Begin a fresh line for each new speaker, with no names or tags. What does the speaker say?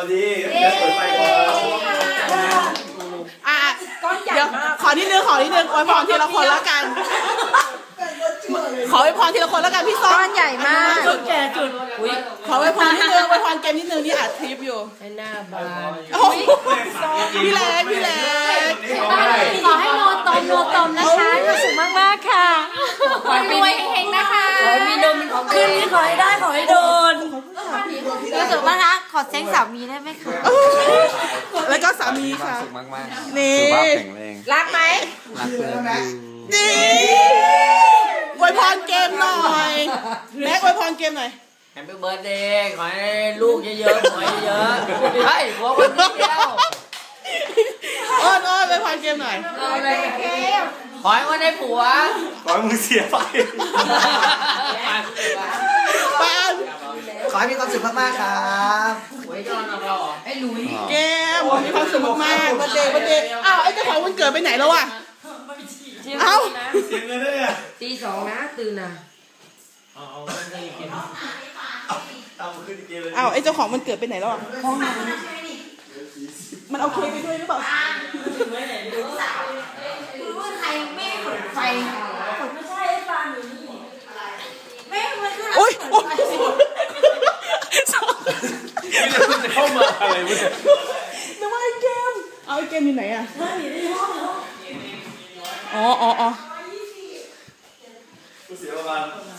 ดีเปิดไฟก่อน
เดี๋ยวขอนิดนึงอวยพรทีละคนแล้วกันขออวยพรทีละคนแล้วกันพี่ส้มก้อนใหญ่มากจุดแก่จุดขออวยพรนิดนึงอวยพรเกมนิดนึงนี่อัดคลิปอยู่
ให้หน้าบาน
พี่เล็ก
ขอให้โนตมนะคะความสุขมากๆค่ะขอให้รวยเฮงๆนะคะ
ขอให้มีนมของขึ้นขอให้ได้ขอให้โดน
ความสุขมากนะขอเซ็งสามีได้ไหมคะ
แล้วก็สามีค่ะ
สุขมากๆ
นี่
สุขภาพแข็งแรง
รักไหม
รักเลย
นี่อวยพรเกมหน่อยแม็กอวยพรเกมหน่อย
แฮปปี้เบิร์ดเดย์ขอให้ลูกเยอะๆขอให้เยอะเฮ้ยหัวคนเดียว
อ้อนอวยพรเกมหน่อย
ขอให้วันได้ผัว
ขอให้มึงเสียไป
ไปอัน
ขอให้มีความสุขมากๆครับ
ไอ้หลุย
เกมมีความสุขมากๆวันเดย์อ้าวไอ้เจ้าของวันเกิดไปไหนแล้วอ่ะเอ้า
เสียเงินด้วยอ่ะ
ตี 2นะตื่นนะ
อ้าวไอ้เจ้าของมันเกิดไปไหนแล้วอ่ะมันเอาเค้กไปด้วยหรือเปล่า
ใครไม่เปิดไฟไม่ใช่ปลาหนูนี่ไม่
โอ๊ย
จะเข้ามาอะไรวะเนี่ย
นึกว่าไอ้เกมเอาไอ้เกมอยู่ไหนอ่ะอ๋อ
เสียประมาณ